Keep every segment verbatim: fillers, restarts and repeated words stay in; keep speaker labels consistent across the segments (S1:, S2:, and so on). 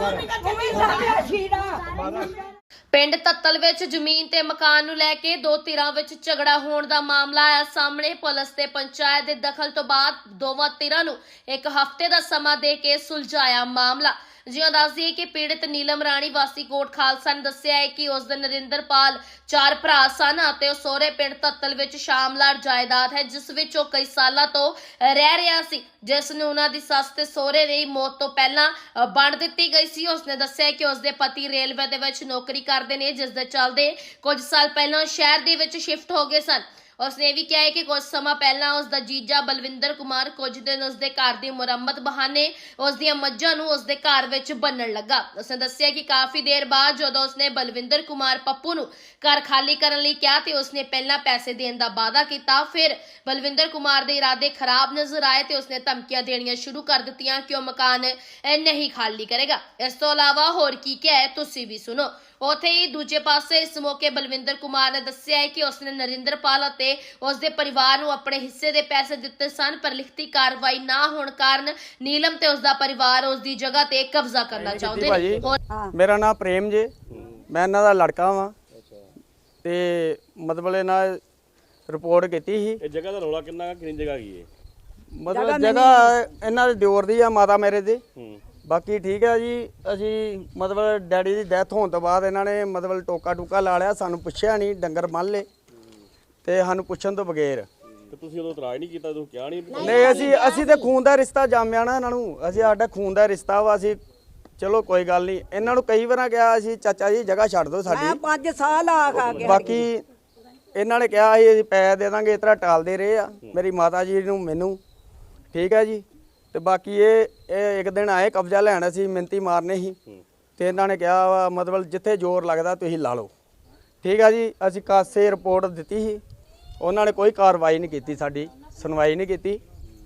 S1: ਪਿੰਡ ਤੱਤਲ ਵਿੱਚ ਜ਼ਮੀਨ ਤੇ ਮਕਾਨ ਨੂੰ ਲੈ ਕੇ ਦੋ ਧਿਰਾਂ ਵਿੱਚ ਝਗੜਾ ਹੋਣ ਦਾ ਮਾਮਲਾ ਆਇਆ ਸਾਹਮਣੇ। ਪੁਲਿਸ ਤੇ ਪੰਚਾਇਤ ਦੇ ਦਖਲ ਤੋਂ ਬਾਅਦ ਦੋਵਾਂ ਧਿਰਾਂ ਨੂੰ ਇੱਕ ਹਫ਼ਤੇ ਦਾ ਸਮਾਂ ਦੇ ਕੇ ਸੁਲਝਾਇਆ ਮਾਮਲਾ। ਜਿਉਂ ਦੱਸਦੀ ਹੈ ਕਿ ਪੀੜਤ ਨੀਲਮ ਰਾਣੀ ਵਾਸੀ ਕੋਟ ਖਾਲਸਾ ਨੇ ਦੱਸਿਆ ਹੈ ਕਿ ਉਸ ਦਿਨ ਨਰਿੰਦਰਪਾਲ ਚਾਰ ਭਰਾ ਸਨ ਅਤੇ ਉਹ ਸਹੁਰੇ ਪਿੰਡ ਤੱਤਲ ਵਿੱਚ ਸ਼ਾਮਲਾਟ ਜਾਇਦਾਦ ਹੈ ਜਿਸ ਵਿੱਚ ਉਹ ਕਈ ਸਾਲਾਂ ਤੋਂ ਰਹਿ ਰਿਹਾ ਸੀ, ਜਿਸ ਨੂੰ ਉਹਨਾਂ ਦੀ ਸੱਸ ਤੇ ਸਹੁਰੇ ਦੀ ਮੌਤ ਤੋਂ ਪਹਿਲਾਂ ਵੰਡ ਦਿੱਤੀ ਗਈ ਸੀ। ਉਸਨੇ ਦੱਸਿਆ ਕਿ ਉਸਦੇ ਪਤੀ ਰੇਲਵੇ ਦੇ ਵਿੱਚ ਨੌਕਰੀ ਕਰਦੇ ਨੇ, ਜਿਸ ਦੇ ਚੱਲਦੇ ਕੁਝ ਸਾਲ ਪਹਿਲਾਂ ਸ਼ਹਿਰ ਦੇ ਵਿੱਚ ਸ਼ਿਫਟ ਹੋ ਗਏ ਸਨ। ਉਸਨੇ ਇਹ ਵੀ ਕਿਹਾ ਹੈ ਕਿ ਕੁਝ ਸਮਾਂ ਪਹਿਲਾਂ ਉਸਦਾ ਜੀਜਾ ਬਲਵਿੰਦਰ ਕੁਮਾਰ ਕੁਝ ਦਿਨ ਉਸਦੇ ਘਰ ਦੀ ਮੁਰੰਮਤ ਬਹਾਨੇ ਉਸਦੀਆਂ ਮੱਝਾਂ ਨੂੰ ਉਸਦੇ ਘਰ ਵਿੱਚ ਬੰਨਣ ਲੱਗਾ। ਉਸਨੇ ਦੱਸਿਆ ਕਿ ਕਾਫੀ ਦੇਰ ਬਾਅਦ ਜਦੋਂ ਉਸਨੇ ਬਲਵਿੰਦਰ ਕੁਮਾਰ ਪੱਪੂ ਨੂੰ ਘਰ ਖਾਲੀ ਕਰਨ ਲਈ ਕਿਹਾ ਤੇ ਉਸਨੇ ਪਹਿਲਾਂ ਪੈਸੇ ਦੇਣ ਦਾ ਵਾਅਦਾ ਕੀਤਾ, ਫਿਰ ਬਲਵਿੰਦਰ ਕੁਮਾਰ ਦੇ ਇਰਾਦੇ ਖਰਾਬ ਨਜ਼ਰ ਆਏ ਤੇ ਉਸਨੇ ਧਮਕੀਆਂ ਦੇਣੀਆਂ ਸ਼ੁਰੂ ਕਰ ਦਿੱਤੀਆਂ ਕਿ ਉਹ ਮਕਾਨ ਨਹੀਂ ਖਾਲੀ ਕਰੇਗਾ। ਇਸ ਤੋਂ ਇਲਾਵਾ ਹੋਰ ਕੀ ਕਿਹਾ ਹੈ ਤੁਸੀਂ ਵੀ ਸੁਣੋ। ਉੱਥੇ ਹੀ ਦੂਜੇ ਪਾਸੇ ਇਸ ਮੌਕੇ ਬਲਵਿੰਦਰ ਕੁਮਾਰ ਨੇ ਦੱਸਿਆ ਹੈ ਕਿ ਉਸਨੇ ਨਰਿੰਦਰਪਾਲ ਅਤੇ ਉਸਦੇ ਪਰਿਵਾਰ ਨੂੰ ਆਪਣੇ ਹਿੱਸੇ ਦੇ ਪੈਸੇ ਦਿੱਤੇ ਸਨ, ਪਰ ਲਿਖਤੀ ਕਾਰਵਾਈ ਨਾ ਹੋਣ ਕਾਰਨ ਨੀਲਮ ਤੇ ਉਸਦਾ ਪਰਿਵਾਰ ਉਸਦੀ ਜਗ੍ਹਾ ਤੇ ਕਬਜ਼ਾ ਕਰਨਾ ਚਾਹੁੰਦੇ ਨੇ।
S2: ਮੇਰਾ ਨਾਮ ਪ੍ਰੇਮ ਜੇ, ਮੈਂ ਇਹਨਾਂ ਦਾ ਲੜਕਾ ਵਾਂ ਤੇ ਮਤਲਬ ਇਹਨਾਂ ਰਿਪੋਰਟ ਕੀਤੀ ਸੀ।
S3: ਇਹ ਜਗ੍ਹਾ ਦਾ ਰੌਲਾ ਕਿੰਨਾ ਕਿੰਨੀ ਜਗ੍ਹਾ ਕੀ ਹੈ?
S2: ਮਤਲਬ ਜਗ੍ਹਾ ਇਹਨਾਂ ਦੇ ਦਿਓਰ ਦੀ ਆ, ਮਾਤਾ ਮੇਰੇ ਦੇ। ਬਾਕੀ ਠੀਕ ਹੈ ਜੀ। ਅਸੀਂ ਮਤਲਬ ਡੈਡੀ ਦੀ ਡੈਥ ਹੋਣ ਤੋਂ ਬਾਅਦ ਇਹਨਾਂ ਨੇ ਮਤਲਬ ਟੋਕਾ ਟੂਕਾ ਲਾ ਲਿਆ, ਸਾਨੂੰ ਪੁੱਛਿਆ ਨਹੀਂ, ਡੰਗਰ ਮੰਨ ਲਏ ਤੇ ਸਾਨੂੰ ਪੁੱਛਣ ਤੋਂ ਬਗੈਰ।
S3: ਤੇ ਤੁਸੀਂ ਉਦੋਂ ਇਤਰਾਜ਼ ਨਹੀਂ ਕੀਤਾ, ਤੁਸੀਂ ਕਿਹਾ ਨਹੀਂ?
S2: ਨਹੀਂ, ਅਸੀਂ ਅਸੀਂ ਤੇ ਖੂਨ ਦਾ ਰਿਸ਼ਤਾ ਜਾਮਿਆ ਨਾ ਇਹਨਾਂ ਨੂੰ, ਅਸੀਂ ਸਾਡਾ ਖੂਨ ਦਾ ਰਿਸ਼ਤਾ ਵਾ। ਅਸੀਂ ਚਲੋ ਕੋਈ ਗੱਲ ਨਹੀਂ, ਇਹਨਾਂ ਨੂੰ ਕਈ ਵਾਰਾਂ ਕਿਹਾ ਅਸੀਂ ਚਾਚਾ ਜੀ ਜਗ੍ਹਾ ਛੱਡ ਦਿਓ ਸਾਡੀ,
S4: ਪੰਜ ਸਾਲ ਆ ਖਾ ਕੇ।
S2: ਬਾਕੀ ਇਹਨਾਂ ਨੇ ਕਿਹਾ ਸੀ ਅਸੀਂ ਪੈਸੇ ਦੇ ਦਾਂਗੇ, ਇਸ ਤਰ੍ਹਾਂ ਟਾਲਦੇ ਰਹੇ ਆ ਮੇਰੀ ਮਾਤਾ ਜੀ ਨੂੰ ਮੈਨੂੰ। ਠੀਕ ਹੈ ਜੀ। ਤੇ ਬਾਕੀ ਇਹ ਇਹ ਇੱਕ ਦਿਨ ਆਏ ਕਬਜ਼ਾ ਲੈਣ, ਅਸੀਂ ਮਿੰਤੀ ਮਾਰਨੇ ਸੀ ਤੇ ਇਹਨਾਂ ਨੇ ਕਿਹਾ ਵਾ ਮਤਲਬ ਜਿੱਥੇ ਜ਼ੋਰ ਲੱਗਦਾ ਤੁਸੀਂ ਲਾ ਲਓ। ਠੀਕ ਹੈ ਜੀ। ਅਸੀਂ ਕਾਸੇ ਰਿਪੋਰਟ ਦਿੱਤੀ ਸੀ, ਉਹਨਾਂ ਨੇ ਕੋਈ ਕਾਰਵਾਈ ਨਹੀਂ ਕੀਤੀ, ਸਾਡੀ ਸੁਣਵਾਈ ਨਹੀਂ ਕੀਤੀ।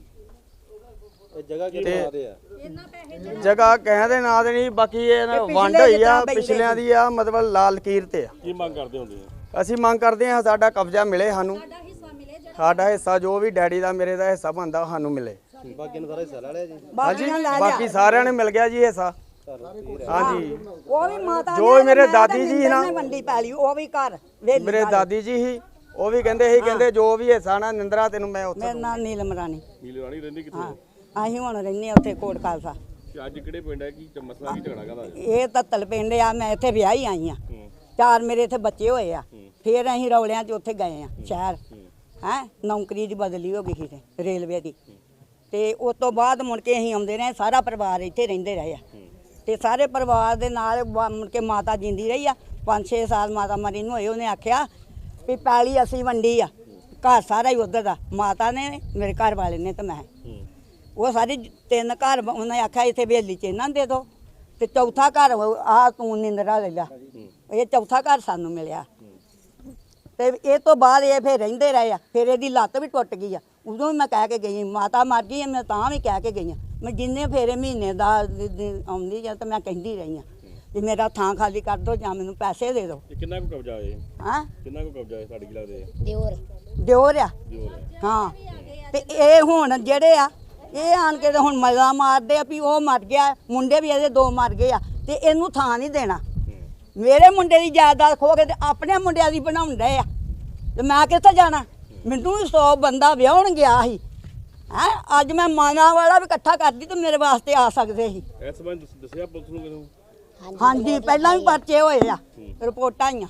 S3: ਜਗ੍ਹਾ ਕੀ ਬਣਾਦੇ ਆ?
S2: ਜਗ੍ਹਾ ਕਹਿੰਦੇ ਨਾਂ ਦੇ ਨਹੀਂ, ਬਾਕੀ ਇਹ ਵੰਡ ਹੋਈ ਆ ਪਿਛਲਿਆਂ ਦੀ ਆ, ਮਤਲਬ ਲਾਲ ਲਕੀਰ ਤੇ ਆ।
S3: ਕੀ ਮੰਗ ਕਰਦੇ ਹੁੰਦੇ ਆ?
S2: ਅਸੀਂ ਮੰਗ ਕਰਦੇ ਹਾਂ ਸਾਡਾ ਕਬਜ਼ਾ ਮਿਲੇ ਸਾਨੂੰ, ਸਾਡਾ ਹਿੱਸਾ ਜੋ ਵੀ ਡੈਡੀ ਦਾ ਮੇਰੇ ਦਾ ਹਿੱਸਾ ਬਣਦਾ ਸਾਨੂੰ ਮਿਲੇ।
S3: ਬਾਕੀ ਨੂੰ ਸਾਰਾ ਹਿੱਸਾ ਲੈ ਲਿਆ ਜੀ?
S2: ਹਾਂਜੀ, ਬਾਕੀ ਸਾਰਿਆਂ ਨੇ ਮਿਲ ਗਿਆ ਜੀ ਹਿੱਸਾ। ਹਾਂਜੀ,
S4: ਉਹ ਵੀ ਮਾਤਾ
S2: ਜੋ ਮੇਰੇ ਦਾਦੀ ਜੀ ਨਾ
S4: ਮੰਡੀ ਪੈਲੀ, ਉਹ ਵੀ ਘਰ
S2: ਮੇਰੇ ਦਾਦੀ ਜੀ ਸੀ, ਉਹ ਵੀ ਕਹਿੰਦੇ ਸੀ ਕਹਿੰਦੇ ਜੋ ਵੀ ਹਿੱਸਾ ਨਾ ਨਿੰਦਰਾ ਤੈਨੂੰ ਮੈਂ ਉੱਥੇ।
S4: ਮੇਰਾ ਨਾਮ ਨੀਲਮ ਰਾਣੀ।
S3: ਨੀਲਮ ਰਾਣੀ ਰਹਿੰਦੀ ਕਿੱਥੇ?
S4: ਅਸੀਂ ਹੁਣ ਰਹਿੰਦੇ ਉੱਥੇ ਕੋਟ ਖਾਲਸਾ।
S3: ਅੱਜ ਕਿਹੜੇ ਪਿੰਡ ਹੈ, ਕੀ ਮਸਲਾ ਕੀ ਝਗੜਾ ਕਰਦਾ?
S4: ਇਹ ਤੱਤਲ ਪਿੰਡ ਆ, ਮੈਂ ਇੱਥੇ ਵਿਆਹੀ ਆਈ ਆ। ਚਾਰ ਮੇਰੇ ਇੱਥੇ ਬੱਚੇ ਹੋਏ ਆ, ਫਿਰ ਅਸੀਂ ਰੌਲਿਆਂ 'ਚ ਉੱਥੇ ਗਏ ਆ ਸ਼ਹਿਰ। ਹੈ ਨੌਕਰੀ ਦੀ ਬਦਲੀ ਹੋ ਗਈ ਸੀ ਤੇ ਰੇਲਵੇ ਦੀ, ਤੇ ਉਸ ਤੋਂ ਬਾਅਦ ਮੁੜ ਕੇ ਅਸੀਂ ਆਉਂਦੇ ਰਹੇ, ਸਾਰਾ ਪਰਿਵਾਰ ਇੱਥੇ ਰਹਿੰਦੇ ਰਹੇ ਆ। ਤੇ ਸਾਰੇ ਪਰਿਵਾਰ ਦੇ ਨਾਲ ਮੁੜ ਕੇ ਮਾਤਾ ਜਿੰਦੀ ਰਹੀ ਆ, ਪੰਜ ਛੇ ਸਾਲ ਮਾਤਾ ਮਰੀ ਨੂੰ ਹੋਏ। ਉਹਨੇ ਆਖਿਆ ਵੀ ਪੈਲੀ ਅਸੀਂ ਵੰਡੀ ਆ, ਘਰ ਸਾਰਾ ਹੀ ਉੱਧਰ ਦਾ, ਮਾਤਾ ਨੇ ਮੇਰੇ ਘਰ ਵਾਲੇ ਨੇ ਤੇ ਮੈਂ। ਉਹ ਸਾਰੇ ਤਿੰਨ ਘਰ ਉਹਨੇ ਆਖਿਆ ਇੱਥੇ ਬੇਲੀ 'ਚ ਇਹਨਾਂ ਦੇ ਦਿਓ, ਤੇ ਚੌਥਾ ਘਰ ਆ ਤੂੰ ਨਿੰਦਰਾ ਲੈ ਲਿਆ। ਇਹ ਚੌਥਾ ਘਰ ਸਾਨੂੰ ਮਿਲਿਆ। ਤੇ ਇਹ ਤੋਂ ਬਾਅਦ ਇਹ ਫਿਰ ਰਹਿੰਦੇ ਰਹੇ ਆ। ਫਿਰ ਇਹਦੀ ਲੱਤ ਵੀ ਟੁੱਟ ਗਈ ਆ, ਉਦੋਂ ਵੀ ਮੈਂ ਕਹਿ ਕੇ ਗਈ, ਮਾਤਾ ਮਰ ਗਈ ਮੈਂ ਤਾਂ ਵੀ ਕਹਿ ਕੇ ਗਈ ਹਾਂ। ਮੈਂ ਜਿੰਨੇ ਫੇਰੇ ਮਹੀਨੇ ਦਾ ਆਉਂਦੀ ਜਾਂ ਤਾਂ ਮੈਂ ਕਹਿੰਦੀ ਰਹੀ ਹਾਂ ਵੀ ਮੇਰਾ ਥਾਂ ਖਾਲੀ ਕਰ ਦਿਓ ਜਾਂ ਮੈਨੂੰ ਪੈਸੇ ਦੇ ਦਿਓ।
S3: ਕਿੰਨਾ ਕੁ ਕਬਜ਼ਾ ਹੈ?
S4: ਹਾਂ,
S3: ਕਿੰਨਾ ਕੁ ਕਬਜ਼ਾ ਹੈ ਤੁਹਾਡੇ ਕੀ ਲੱਗਦੇ?
S4: ਦਿਓਰ ਦਿਓਰ ਆ।
S3: ਦਿਓਰ
S4: ਹਾਂ। ਤੇ ਇਹ ਹੁਣ ਜਿਹੜੇ ਆ ਇਹ ਆਣ ਕੇ ਹੁਣ ਮਜ਼ਾ ਮਾਰਦੇ ਆ ਵੀ ਉਹ ਮਰ ਗਿਆ, ਮੁੰਡੇ ਵੀ ਇਹਦੇ ਦੋ ਮਰ ਗਏ ਆ ਤੇ ਇਹਨੂੰ ਥਾਂ ਨਹੀਂ ਦੇਣਾ। ਮੇਰੇ ਮੁੰਡੇ ਦੀ ਜਾਇਦਾਦ ਖੋ ਕੇ ਤੇ ਆਪਣੇ ਮੁੰਡਿਆਂ ਦੀ ਬਣਾਉਣ ਡਏ ਆ, ਤੇ ਮੈਂ ਕਿੱਥੇ ਜਾਣਾ? ਮੈਨੂੰ ਵੀ ਸੌ ਬੰਦਾ ਵਿਆਹਣ ਗਿਆ ਸੀ। ਹੈ ਅੱਜ ਮੈਂ ਮਾਨਾ ਵਾਲਾ ਵੀ ਇਕੱਠਾ ਕਰਦੀ ਤੇ ਮੇਰੇ ਵਾਸਤੇ ਆ ਸਕਦੇ ਸੀ।
S3: ਇਸ ਸੰਬੰਧ ਦੱਸਿਆ ਪੁਲਿਸ ਨੂੰ ਕਿਦੋਂ?
S4: ਹਾਂਜੀ, ਪਹਿਲਾਂ ਵੀ ਪਰਚੇ ਹੋਏ ਆ, ਰਿਪੋਰਟਾਂ ਆਈਆਂ।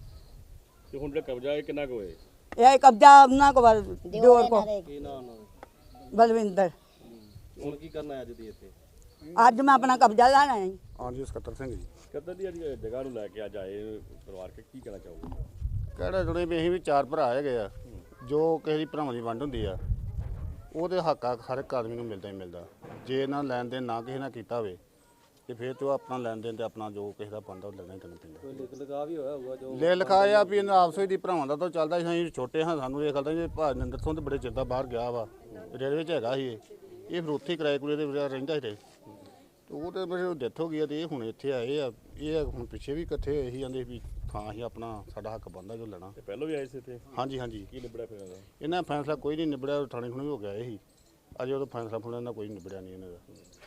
S3: ਤੇ ਹੁਣ ਜਿਹੜਾ ਕਬਜ਼ਾ ਹੈ ਕਿੰਨਾ ਕੁ ਹੋਏ?
S4: ਇਹ ਕਬਜ਼ਾ ਉਹਨਾਂ ਕੋ ਦਿਓਰ ਕੋ
S3: ਕੀ ਨਾਮ ਉਹਨਾਂ ਦਾ?
S4: ਬਲਵਿੰਦਰ।
S3: ਹੁਣ ਕੀ ਕਰਨਾ ਅੱਜ ਦੀ ਇੱਥੇ?
S4: ਅੱਜ ਮੈਂ ਆਪਣਾ ਕਬਜ਼ਾ ਲੈਣਾ ਹੈ।
S2: ਹਾਂਜੀ, ਸਕੱਤਰ ਸਿੰਘ ਜੀ।
S3: ਕਦੋਂ ਦੀ ਅੱਜ ਜਗ੍ਹਾ ਨੂੰ ਲੈ ਕੇ ਅੱਜ ਆਏ ਪਰਿਵਾਰ ਕੇ, ਕੀ ਕਹਿਣਾ ਚਾਹੋਗੇ?
S5: ਕਿਹੜਾ ਜੁੜੇ ਵੀ ਅਸੀਂ ਵੀ ਚਾਰ ਭਰਾ ਹੈਗੇ ਆ, ਜੋ ਕਿਸੇ ਦੀ ਭਰਾਵਾਂ ਦੀ ਵੰਡ ਹੁੰਦੀ ਆ ਉਹਦੇ ਹੱਕ ਆ ਹਰ ਇੱਕ ਆਦਮੀ ਨੂੰ ਮਿਲਦਾ ਹੀ ਮਿਲਦਾ। ਜੇ ਇਹਨਾਂ ਲੈਣ ਦੇਣ ਨਾ ਕਿਸੇ ਨਾਲ ਕੀਤਾ ਹੋਵੇ ਤੇ ਫਿਰ ਤੇ ਉਹ ਆਪਣਾ ਲੈਣ ਦੇਣ ਤੇ ਆਪਣਾ ਜੋ ਕਿਸੇ ਦਾ ਬਣਦਾ ਉਹ ਲੈਣਾ ਹੀ ਕਰਨਾ ਪੈਂਦਾ।
S3: ਕੋਈ ਲਿਖ ਲਿਖਾ ਵੀ ਹੋਇਆ ਹੋਊਗਾ ਜੋ
S5: ਲੈ ਲਿਖਾਇਆ ਵੀ ਇਹਨਾਂ ਆਪਸ ਵਿੱਚ ਦੀ ਭਰਾਵਾਂ ਦਾ ਤਾਂ ਚੱਲਦਾ ਸੀ। ਅਸੀਂ ਛੋਟੇ ਹਾਂ, ਸਾਨੂੰ ਇਹ ਗੱਲ ਜੇ ਭਾਜ ਨਿੰਦਰ ਤੋਂ ਤੇ ਬੜੇ ਚਿਰ ਦਾ ਬਾਹਰ ਗਿਆ ਵਾ, ਰੇਲਵੇ 'ਚ ਹੈਗਾ ਸੀ ਇਹ ਇਹ ਫਿਰ ਉੱਥੇ ਕਿਰਾਏ ਕੁਰੇ ਦੇ ਰਹਿੰਦਾ ਸੀ। ਤੇ ਉਹ ਤੇ ਮੇਰੇ ਡੈਥ ਹੋ ਗਈ ਤੇ ਇਹ ਹੁਣ ਇੱਥੇ ਆਏ ਆ। ਇਹ ਹੁਣ ਪਿੱਛੇ ਵੀ ਇਕੱਠੇ ਹੋਏ ਸੀ, ਜਾਂਦੇ ਵੀ ਥਾਂ ਹੀ ਆਪਣਾ ਸਾਡਾ ਹੱਕ ਬਣਦਾ ਜੋ ਲੈਣਾ।
S3: ਤੇ ਪਹਿਲਾਂ ਵੀ ਆਏ ਸੀ ਇੱਥੇ?
S5: ਹਾਂਜੀ ਹਾਂਜੀ।
S3: ਕੀ ਨਿਬੜਿਆ ਫਿਰ ਇਹਦਾ?
S5: ਇਹਨਾਂ ਫੈਸਲਾ ਕੋਈ ਨਹੀਂ ਨਿਬੜਿਆ, ਥਾਣੇ ਖੁਣੇ ਹੋ ਗਿਆ ਇਹ ਹੀ। ਅਜੇ ਉਹਦਾ ਫੈਸਲਾ ਫੁਣਾ ਇਹਨਾਂ ਕੋਈ ਨਿਬੜਿਆ ਨਹੀਂ ਇਹਨਾਂ ਦਾ।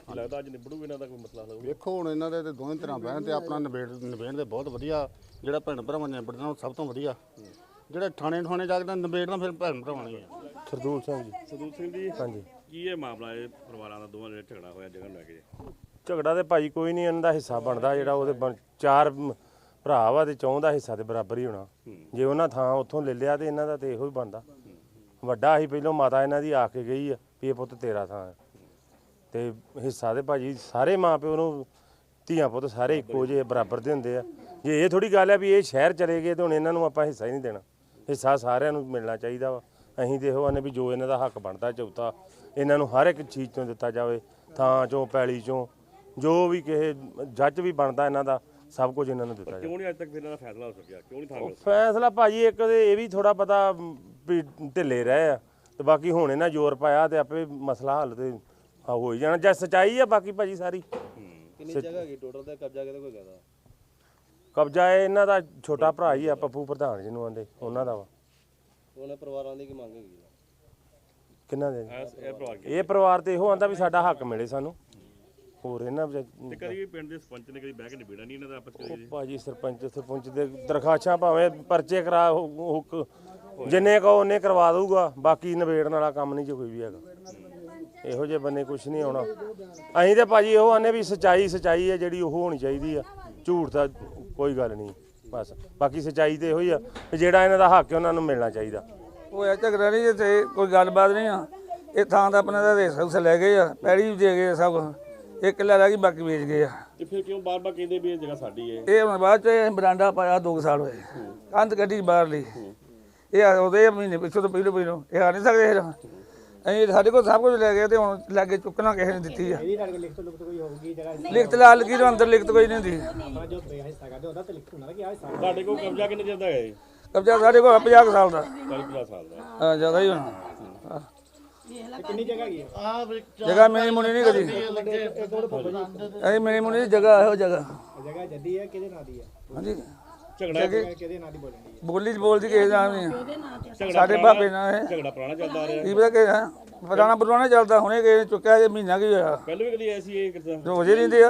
S3: ਕੀ ਲੱਗਦਾ ਅੱਜ ਨਿਬੜੂ ਇਹਨਾਂ ਦਾ ਕੋਈ ਮਸਲਾ ਹੱਲ ਹੋਊ?
S5: ਵੇਖੋ ਹੁਣ ਇਹਨਾਂ ਦੇ ਤੇ ਦੋਵੇਂ ਤਰ੍ਹਾਂ ਬਹਿਣ ਤੇ ਆਪਣਾ ਨਿਬੇੜ ਨਿਬੇੜ ਦੇ ਬਹੁਤ ਵਧੀਆ, ਜਿਹੜਾ ਭੈਣ ਭਰਾਵਾਂ ਨੇ ਨਿਬੜਨਾ ਉਹ ਸਭ ਤੋਂ ਵਧੀਆ। ਜਿਹੜੇ ਥਾਣੇ ਠਾਣੇ ਜਾ ਕੇ ਨਿਬੇੜਨਾ ਫਿਰ ਭੈਣ ਭਰਾਵਾਂ ਨੇ।
S6: ਸਰਦੂਲ ਸਿੰਘ ਜੀ।
S3: ਸਰਦੂਲ ਸਿੰਘ ਜੀ,
S6: ਹਾਂਜੀ।
S3: ਕੀ ਇਹ ਮਾਮਲਾ ਇਹ ਪਰਿਵਾਰਾਂ ਦਾ ਦੋਵਾਂ ਦੇ ਝਗੜਾ ਹੋਇਆ ਜਗ੍ਹਾ ਨੂੰ ਲੈ ਕੇ?
S6: ਝਗੜਾ ਤੇ ਭਾਜੀ ਕੋਈ ਨਹੀਂ, ਇਹਨਾਂ ਦਾ ਹਿੱਸਾ ਬਣਦਾ ਜਿਹੜਾ ਉਹਦੇ ਬਣ- ਚਾਰ ਮ- ਭਰਾ ਵਾ ਤੇ ਚੌਂ ਦਾ ਹਿੱਸਾ ਤੇ ਬਰਾਬਰ ਹੀ ਹੋਣਾ। ਜੇ ਉਹਨਾਂ ਥਾਂ ਉੱਥੋਂ ਲੈ ਲਿਆ ਤੇ ਇਹਨਾਂ ਦਾ ਤੇ ਇਹੋ ਹੀ ਬਣਦਾ। ਵੱਡਾ ਸੀ ਪਹਿਲੋਂ, ਮਾਤਾ ਇਹਨਾਂ ਦੀ ਆ ਕੇ ਗਈ ਆ ਵੀ ਇਹ ਪੁੱਤ ਤੇਰਾ ਥਾਂ ਹੈ, ਤੇ ਹਿੱਸਾ ਤੇ ਭਾਜੀ ਸਾਰੇ ਮਾਂ ਪਿਓ ਨੂੰ ਧੀਆਂ ਪੁੱਤ ਸਾਰੇ ਇੱਕੋ ਜਿਹੇ ਬਰਾਬਰ ਦੇ ਹੁੰਦੇ ਆ। ਜੇ ਇਹ ਥੋੜੀ ਗੱਲ ਹੈ ਵੀ ਇਹ ਸ਼ਹਿਰ ਚਲੇ ਗਏ ਤੇ ਹੁਣ ਇਹਨਾਂ ਨੂੰ ਆਪਾਂ ਹਿੱਸਾ ਹੀ ਨਹੀਂ ਦੇਣਾ, ਹਿੱਸਾ ਸਾਰਿਆਂ ਨੂੰ ਮਿਲਣਾ ਚਾਹੀਦਾ ਵਾ। ਅਸੀਂ ਤੇ ਇਹੋ ਆਨੇ ਵੀ ਜੋ ਇਹਨਾਂ ਦਾ ਹੱਕ ਬਣਦਾ ਚੌਥਾ ਇਹਨਾਂ ਨੂੰ ਹਰ ਇੱਕ ਚੀਜ਼ ਤੋਂ ਦਿੱਤਾ ਜਾਵੇ, ਥਾਂ ਚੋਂ ਪੈਲੀ ਚੋਂ ਜੋ ਵੀ ਕਿਸੇ ਜੱਜ ਵੀ ਬਣਦਾ ਇਹਨਾਂ ਦਾ ਸਭ ਕੁਝ ਇਹਨਾਂ ਨੂੰ ਦਿੱਤਾ ਜਾਵੇ।
S3: ਕਿਉਂ ਨਹੀਂ ਅੱਜ ਤੱਕ ਇਹਨਾਂ ਦਾ ਫੈਸਲਾ ਹੋ ਸਕਿਆ? ਕਿਉਂ ਨਹੀਂ ਥਾਂ ਮਿਲ
S6: ਫੈਸਲਾ ਭਾਜੀ ਇੱਕ ਤੇ ਇਹ ਵੀ ਥੋੜਾ ਪਤਾ ਵੀ ਢਿੱਲੇ ਰਹੇ ਆ, ਤੇ ਬਾਕੀ ਹੁਣ ਇਹਨਾਂ ਜ਼ੋਰ ਪਾਇਆ ਤੇ ਆਪੇ ਮਸਲਾ ਹੱਲ ਤੇ ਹੋ ਹੀ ਜਾਣਾ। ਜੇ ਸਚਾਈ ਆ ਬਾਕੀ ਭਾਜੀ ਸਾਰੀ।
S7: ਕਿੰਨੀ ਜਗ੍ਹਾ ਹੈਗੀ ਟੋਟਲ ਤੇ ਕਬਜ਼ਾ ਕਿਹਦੇ ਕੋਈ ਕਰਦਾ?
S6: ਕਬਜ਼ਾ ਇਹ ਇਹਨਾਂ ਦਾ ਛੋਟਾ ਭਰਾ ਹੀ ਆ, ਪੱਪੂ ਪ੍ਰਧਾਨ ਜਿਹਨੂੰ ਆਂਦੇ ਉਹਨਾਂ ਦਾ ਵਾ।
S7: ਉਹਨੇ ਪਰਿਵਾਰਾਂ ਦੀ ਕੀ ਮੰਗ ਹੈਗੀ?
S6: ਕਿੰਨਾ ਦੇ
S3: ਇਹ ਪਰਿਵਾਰ ਕੀ?
S6: ਇਹ ਪਰਿਵਾਰ ਤੇ ਇਹੋ ਆਂਦਾ ਵੀ ਸਾਡਾ ਹੱਕ ਮਿਲੇ ਸਾਨੂੰ, ਹੋਰ ਇਹਨਾਂ ਵਿੱਚ
S3: ਤੇ ਕਦੀ ਪਿੰਡ ਦੇ ਸਰਪੰਚ ਨੇ ਕਦੀ ਬਹਿ ਕੇ ਨਿਬੇੜਾ ਨਹੀਂ ਇਹਨਾਂ ਦਾ ਆਪਸ
S6: ਉਹ
S3: ਵਿੱਚ?
S6: ਭਾਜੀ ਸਰਪੰਚ ਸਰਪੰਚ ਦੇ ਦਰਖਾਸਤਾਂ ਭਾਵੇਂ ਪਰਚੇ ਕਰਾ ਹੋ- ਹੁਕ ਜਿੰਨੇ ਕਹੋ ਉਹਨੇ ਕਰਵਾ ਦਊਗਾ, ਬਾਕੀ ਨਿਬੇੜਨ ਵਾਲਾ ਕੰਮ ਨਹੀਂ ਜੇ ਕੋਈ ਵੀ ਹੈਗਾ। ਇਹੋ ਜਿਹੇ ਬੰਨੇ ਕੁਝ ਨਹੀਂ ਆਉਣਾ। ਅਸੀਂ ਤੇ ਭਾਜੀ ਇਹੋ ਆਨੇ ਵੀ ਸਚਾਈ ਸਚਾਈ ਹੈ ਜਿਹੜੀ ਉਹ ਹੋਣੀ ਚਾਹੀਦੀ ਆ, ਝੂਠ ਦਾ ਕੋਈ ਗੱਲ ਨਹੀਂ ਬਸ। ਬਾਕੀ ਸਚਾਈ ਤੇ ਇਹੋ ਹੀ ਆ ਵੀ ਜਿਹੜਾ ਇਹਨਾਂ ਦਾ ਹੱਕ ਹੈ ਉਹਨਾਂ ਨੂੰ ਮਿਲਣਾ ਚਾਹੀਦਾ।
S8: ਹੋਇਆ ਝਗੜਾ ਨਹੀਂ, ਇੱਥੇ ਕੋਈ ਗੱਲਬਾਤ ਨਹੀਂ ਆ। ਇਹ ਥਾਂ ਦਾ ਆਪਣਾ ਦਾ ਰੇਸ ਉਸ ਲੈ ਗਏ ਆ, ਪੈੜੀ ਵੀ ਦੇ ਗਏ ਆ ਸਭ ਕੁਛ। ਇੱਕ ਕਿੱਲਾ ਰਹਿ ਗਈ, ਬਾਕੀ ਵੇਚ ਗਏ ਆ।
S3: ਤੇ ਫਿਰ ਕਿਉਂ ਬਾਰ-ਬਾਰ ਕਹਿੰਦੇ ਵੀ ਇਹ ਜਗ੍ਹਾ ਸਾਡੀ ਹੈ?
S8: ਇਹ ਹੁਣ ਬਾਅਦ ਚ ਇਹ ਬਰਾਂਡਾ ਪਾਇਆ ਦੋ ਕੁ ਸਾਲ ਹੋਏ, ਕੰਧ ਕੱਢੀ ਬਾਹਰ ਲਈ। ਇਹ ਉਹਦੇ ਮਹੀਨੇ ਪਿੱਛੋਂ ਤੋਂ ਪਹਿਲੋਂ ਪਹਿਲੋਂ ਇਹ ਆ ਨਹੀਂ ਸਕਦੇ ਫਿਰ। ਅਸੀਂ ਸਾਡੇ ਕੋਲ ਸਭ ਕੁਝ ਲੈ ਗਏ ਤੇ ਹੁਣ ਲਾਗੇ ਚੁੱਕਣਾ ਕਿਸੇ ਨੇ ਦਿੱਤੀ ਆ। ਲਿਖਤ ਲਾ ਲਗੀ ਤੋਂ ਅੰਦਰ ਲਿਖਤ ਕੋਈ ਨਹੀਂ ਹੁੰਦੀ।
S3: ਤੁਹਾਡੇ ਕੋਲ ਕਬਜ਼ਾ ਕਿੰਨੇ ਚਿਰ ਦਾ ਹੈ ਜੀ?
S8: ਕਬਜ਼ਾ ਸਾਡੇ ਕੋਲ ਪੰਜਾਹ ਕੁ ਸਾਲ ਦਾ।
S3: ਚਾਲੀ ਪੰਜਾਹ ਸਾਲ ਦਾ।
S8: ਹਾਂ ਜ਼ਿਆਦਾ ਹੀ ਹੋਣਾ। ਕਿੰਨੀ ਜਗ੍ਹਾ ਹੈਗੀ? ਜਗ੍ਹਾ ਮੇਰੀ ਮੁੰਨੀ ਨਹੀਂ ਕਦੀ। ਅਸੀਂ ਮੇਰੀ ਮੁੰਨੀ ਦੀ ਜਗ੍ਹਾ ਇਹੋ ਜਗ੍ਹਾ।
S7: ਜਗ੍ਹਾ ਜੱਦੀ ਹੈ ਕਿਹਦੇ ਨਾਂ ਦੀ ਹੈ?
S8: ਹਾਂਜੀ
S3: ਝਗੜਾ
S7: ਕਿਹਦੇ ਨਾਂ ਦੀ ਬੋਲਣੀ ਹੈ?
S8: ਬੋਲੀ ਚ ਬੋਲਦੀ ਕਿਸੇ ਦਾ ਨਹੀਂ ਆ।
S3: ਝਗੜਾ
S8: ਸਾਡੇ
S3: ਪੁਰਾਣਾ-
S8: ਬਾਬੇ ਨਾਲ ਇਹ
S3: ਝਗੜਾ ਪੁਰਾਣਾ ਚੱਲਦਾ ਆ ਰਿਹਾ।
S8: ਕੀ ਪਤਾ ਕਿ ਹੈ ਪੁਰਾਣਾ ਪੁਰਾਣਾ ਚੱਲਦਾ, ਹੁਣੇ ਕਿਸੇ ਨੇ ਚੁੱਕਿਆ ਜੇ ਮਹੀਨਾ ਕੀ ਹੋਇਆ।
S3: ਪਹਿਲਾਂ ਵੀ ਕਦੀ ਐਸੀ ਇਹ ਕਿਦਾਂ?
S8: ਰੋਜ਼ ਹੀ ਰਹਿੰਦੇ ਆ,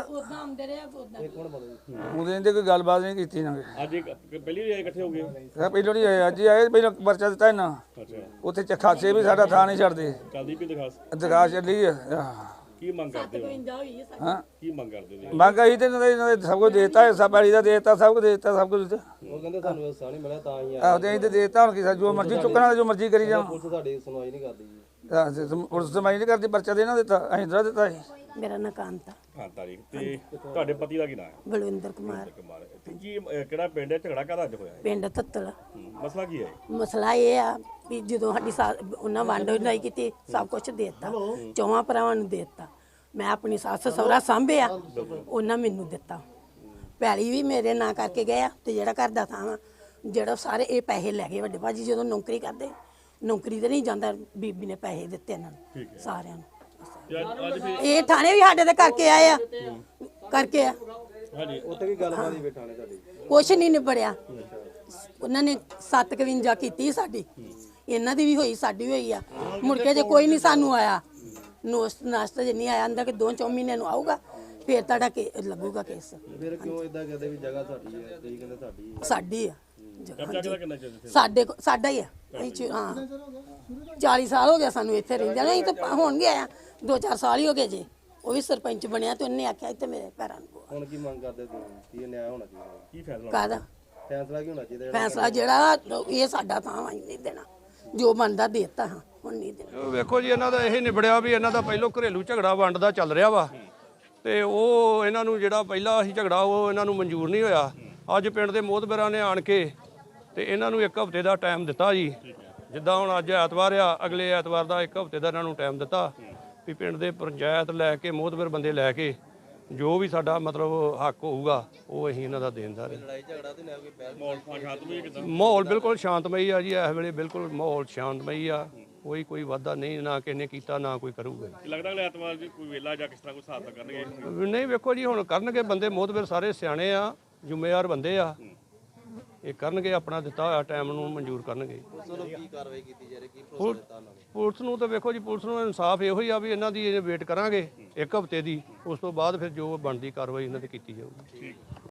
S7: ਇਹ ਕੌਣ ਬੋਲਦਾ?
S8: ਉਹਦੇ ਨੇ ਕੋਈ ਗੱਲਬਾਤ ਨਹੀਂ ਕੀਤੀ ਨਾ।
S3: ਅੱਜ ਇੱਕ ਪਹਿਲੀ ਵਾਰ ਇਕੱਠੇ ਹੋ ਗਏ?
S8: ਇਹ ਪਹਿਲੋਂ ਨਹੀਂ ਆਏ, ਅੱਜ ਹੀ ਆਏ। ਪਹਿਲਾਂ ਪਰਚਾ ਦਿੱਤਾ ਇਹਨਾਂ
S3: ਅੱਛਾ,
S8: ਉੱਥੇ ਚਖਾਸੇ ਵੀ ਸਾਡਾ ਥਾਂ ਨਹੀਂ ਛੱਡਦੇ।
S3: ਚੱਲਦੀ ਵੀ ਦਿਖਾਸ।
S8: ਦਰਗਾਹ ਚੱਲੀ ਆ।
S3: ਕੀ ਮੰਗ ਕਰਦੇ ਹੋ?
S8: ਹਾਂ
S3: ਕੀ ਮੰਗ ਕਰਦੇ ਹੋ?
S8: ਮੰਗ ਆਈ ਤੇ ਇਹਨਾਂ ਦੇ ਇਹਨਾਂ ਦੇ ਸਭ ਕੁਝ ਦੇਤਾ, ਹਿੱਸਾ ਪੈਲੀ ਦਾ ਦੇਤਾ, ਸਭ ਕੁਝ ਦੇਤਾ, ਸਭ ਕੁਝ।
S7: ਉਹ ਕਹਿੰਦੇ ਤੁਹਾਨੂੰ ਹਿੱਸਾ ਨਹੀਂ ਮਿਲਿਆ ਤਾਂ ਹੀ ਆ।
S8: ਆਹੋ ਤੇ ਅਸੀਂ ਤੇ ਦੇਤਾ, ਹੁਣ ਕੀ ਸਾ- ਜੋ ਮਰਜ਼ੀ ਚੁੱਕਣਾ ਜੋ ਮਰਜ਼ੀ ਕਰੀ ਜਾਵਾਂ।
S7: ਪੁਲਿਸ ਤੁਹਾਡੀ ਸੁਣਵਾਈ ਨਹੀਂ ਕਰਦੀ ਜੀ।
S8: ਪੁਲਿਸ ਸਮਾਈ ਨਹੀਂ ਕਰਦੀ, ਪਰਚਾ ਦੇਣਾ ਦਿੱਤਾ, ਅਸੀਂ ਦਰਾ ਦਿੱਤਾ ਸੀ।
S9: ਮੇਰਾ ਨਾਂ ਕਾਂਤਾ
S3: ਹਾਂ ਤਾਰੀਖ ਤੇ ਤੁਹਾਡੇ ਪਤੀ ਦਾ ਕੀ ਨਾਮ ਹੈ?
S9: ਬਲਵਿੰਦਰ ਕੁਮਾਰ,
S3: ਕੁਮਾਰ। ਤੇ ਕੀ ਅਹ, ਕਿਹੜਾ ਪਿੰਡ ਹੈ? ਝਗੜਾ ਕਾਹਦਾ ਅੱਜ ਹੋਇਆ ਹੈ?
S9: ਪਿੰਡ ਤੱਤਲ।
S3: ਹੂੰ, ਮਸਲਾ ਕੀ ਹੈ?
S9: ਮਸਲਾ ਇਹ ਆ ਵੀ ਜਦੋਂ ਸਾਡੀ ਸਾ- ਉਹਨਾਂ ਵੰਡ ਨਹੀਂ ਕੀਤੀ, ਸਭ ਕੁਝ ਦੇਤਾ, ਚੌਵਾਂ ਭਰਾਵਾਂ ਨੂੰ ਦੇਤਾ। ਮੈਂ ਆਪਣੀ ਸੱਸ ਸਹੁਰਾ ਸਾਂਭਿਆ, ਉਹਨਾਂ ਮੈਨੂੰ ਦਿੱਤਾ। ਪੈਲੀ ਵੀ ਮੇਰੇ ਨਾਂ ਕਰਕੇ ਗਏ ਆ, ਤੇ ਜਿਹੜਾ ਘਰ ਦਾ ਥਾਂ ਵਾ, ਜਿਹੜਾ ਸਾਰੇ ਇਹ ਪੈਸੇ ਲੈ ਗਏ ਵੱਡੇ ਭਾਜੀ ਜਦੋਂ ਨੌਕਰੀ ਕਰਦੇ। ਨੌਕਰੀ ਤੇ ਨਹੀਂ ਜਾਂਦਾ, ਬੀਬੀ ਨੇ ਪੈਸੇ ਦਿੱਤੇ ਇਹਨਾਂ ਨੂੰ ਸਾਰਿਆਂ ਨੂੰ।
S3: ਤੇ ਅੱਜ ਅੱਜ ਫਿਰ
S9: ਇਹ ਥਾਣੇ ਵੀ ਸਾਡੇ ਤੇ ਕਰਕੇ ਆਏ ਆ, ਕਰਕੇ ਆ
S3: ਹਾਂਜੀ
S7: ਉੱਥੇ ਕੀ ਗੱਲਬਾਤ ਹੀ ਬੈਠਾਣੇ ਤੁਹਾਡੀ?
S9: ਕੁਛ ਨਹੀਂ ਨਿਬੜਿਆ। ਉਹਨਾਂ ਨੇ ਸੱਤ ਇਕਵੰਜਾ ਕੀਤੀ ਸਾਡੀ, ਇਹਨਾਂ ਦੀ ਵੀ ਹੋਈ, ਸਾਡੀ ਵੀ ਹੋਈ ਆ। ਮੁੜ ਕੇ ਜੇ ਕੋਈ ਨਹੀਂ ਸਾਨੂੰ ਆਇਆ, ਨੋਸਟ ਨਾਸਤਾ ਜੇ ਨਹੀਂ ਆਇਆ ਅੰਦਰ ਕਿ ਦੋ ਚੌ ਮਹੀਨੇ ਨੂੰ ਆਊਗਾ, ਫੇਰ ਤੁਹਾਡਾ ਕੇ ਲੱਗੂਗਾ ਕੇਸ।
S7: ਫਿਰ ਕਿਉਂ ਇਦਾਂ ਕਹਿੰਦੇ ਵੀ ਜਗ੍ਹਾ ਸਾਡੀ ਹੈ? ਤੁਸੀਂ ਕਹਿੰਦੇ ਸਾਡੀ ਹੈ।
S9: ਸਾਡੀ ਆ ਜਗ੍ਹਾ।
S3: ਕਬਜ਼ਾ ਕਿਹਦਾ ਕਰਨਾ ਚਾਹੀਦਾ?
S9: ਸਾਡੇ ਕੋ- ਸਾਡਾ ਹੀ ਆ। ਅਸੀਂ ਚ- ਹਾਂ ਚਾਲੀ ਸਾਲ ਹੋ ਗਿਆ ਸਾਨੂੰ ਇੱਥੇ ਰਹਿੰਦਿਆਂ ਨੂੰ। ਅਸੀਂ ਤਾਂ ਹੁਣ ਗਏ ਆ, ਦੋ ਚਾਰ ਸਾਲ ਹੀ ਹੋ ਗਏ ਜੇ। ਉਹ ਵੀ ਸਰਪੰਚ ਬਣਿਆ ਤੇ ਉਹਨੇ ਆਖਿਆ ਇੱਥੇ ਮੇਰੇ ਪੈਰਾਂ ਨੂੰ ਪਵਾ।
S7: ਹੁਣ ਕੀ ਮੰਗ ਕਰਦੇ ਤੁਸੀਂ? ਕੀ ਨਿਆਂ ਹੋਣਾ ਚਾਹੀਦਾ?
S3: ਕੀ ਫੈਸਲਾ?
S9: ਕਾਹਦਾ
S7: ਫੈਸਲਾ ਕੀ ਹੋਣਾ ਚਾਹੀਦਾ?
S9: ਫੈਸਲਾ ਜਿਹੜਾ ਇਹ ਸਾਡਾ ਥਾਂ ਵਾ, ਨਹੀਂ ਦੇਣਾ, ਜੋ ਬਣਦਾ ਦੇਤਾ, ਹਾਂ ਹੁਣ ਨਹੀਂ ਦੇਣਾ।
S10: ਵੇਖੋ ਜੀ ਇਹਨਾਂ ਦਾ ਇਹ ਨਿਬੜਿਆ ਵੀ ਇਹਨਾਂ ਦਾ ਪਹਿਲੋਂ ਘਰੇਲੂ ਝਗੜਾ ਵੰਡ ਦਾ ਚੱਲ ਰਿਹਾ ਵਾ, ਤੇ ਉਹ ਇਹਨਾਂ ਨੂੰ ਜਿਹੜਾ ਪਹਿਲਾ ਸੀ ਝਗੜਾ ਉਹ ਇਹਨਾਂ ਨੂੰ ਮਨਜ਼ੂਰ ਨਹੀਂ ਹੋਇਆ। ਅੱਜ ਪਿੰਡ ਦੇ ਮੋਹਤਬਰਾਂ ਨੇ ਆਣ ਕੇ ਤੇ ਇਹਨਾਂ ਨੂੰ ਇੱਕ ਹਫ਼ਤੇ ਦਾ ਟਾਈਮ ਦਿੱਤਾ ਜੀ। ਜਿੱਦਾਂ ਹੁਣ ਅੱਜ ਐਤਵਾਰ ਆ, ਅਗਲੇ ਐਤਵਾਰ ਦਾ ਇੱਕ ਹਫ਼ਤੇ ਦਾ ਇਹਨਾਂ ਨੂੰ ਟਾਈਮ ਦਿੱਤਾ ਵੀ ਪਿੰਡ ਦੇ ਪੰਚਾਇਤ ਲੈ ਕੇ ਮੋਹਤਬਰ ਬੰਦੇ ਲੈ ਕੇ ਜੋ ਵੀ ਸਾਡਾ ਮਤਲਬ ਹੱਕ ਹੋਊਗਾ ਉਹ ਅਸੀਂ ਇਹਨਾਂ ਦਾ ਦੇਣਦਾਰ ਹਾਂ।
S7: ਲੜਾਈ ਝਗੜਾ ਤੇ ਨਾ ਕੋਈ ਪਹਿਲ
S3: ਮਾਹੌਲ ਸ਼ਾਂਤਮਈ ਕਿਦਾਂ?
S10: ਮਾਹੌਲ ਬਿਲਕੁਲ ਸ਼ਾਂਤਮਈ ਆ ਜੀ, ਇਸ ਵੇਲੇ ਬਿਲਕੁਲ ਮਾਹੌਲ ਸ਼ਾਂਤਮਈ ਆ। ਕੋਈ ਕੋਈ ਵਾਧਾ ਨਹੀਂ, ਨਾ ਕਿਸੇ ਨੇ ਕੀਤਾ, ਨਾ ਕੋਈ ਕਰੂਗਾ।
S3: ਲੱਗਦਾ ਅਗਲੇ ਐਤਵਾਰ ਜੀ ਕੋਈ ਵੇਲਾ ਜਾਂ ਕਿਸ ਤਰ੍ਹਾਂ ਕੋਈ ਹਿਸਾਬ ਤਾਂ ਕਰਨਗੇ?
S10: ਨਹੀਂ ਵੇਖੋ ਜੀ ਹੁਣ ਕਰਨਗੇ ਬੰਦੇ ਮੋਹਤਬਰ ਸਾਰੇ ਸਿਆਣੇ ਆ, ਜ਼ਿੰਮੇਵਾਰ ਬੰਦੇ ਆ, ਇਹ ਕਰਨਗੇ, ਆਪਣਾ ਦਿੱਤਾ ਹੋਇਆ ਟਾਈਮ ਨੂੰ ਮਨਜ਼ੂਰ ਕਰਨਗੇ।
S7: ਚਲੋ ਕੀ ਕਾਰਵਾਈ ਕੀਤੀ ਜਾ ਰਹੀ, ਕੀ ਭਰੋਸਾ ਦਿੱਤਾ ਉਹਨਾਂ ਨੇ?
S10: ਪੁਲਿਸ ਨੂੰ ਤਾਂ ਵੇਖੋ ਜੀ, ਪੁਲਿਸ ਨੂੰ ਇਨਸਾਫ ਇਹੋ ਹੀ ਆ ਵੀ ਇਹਨਾਂ ਦੀ ਵੇਟ ਕਰਾਂਗੇ ਇੱਕ ਹਫ਼ਤੇ ਦੀ, ਉਸ ਤੋਂ ਬਾਅਦ ਫਿਰ ਜੋ ਬਣਦੀ ਕਾਰਵਾਈ ਇਹਨਾਂ ਤੇ ਕੀਤੀ ਜਾਊਗੀ।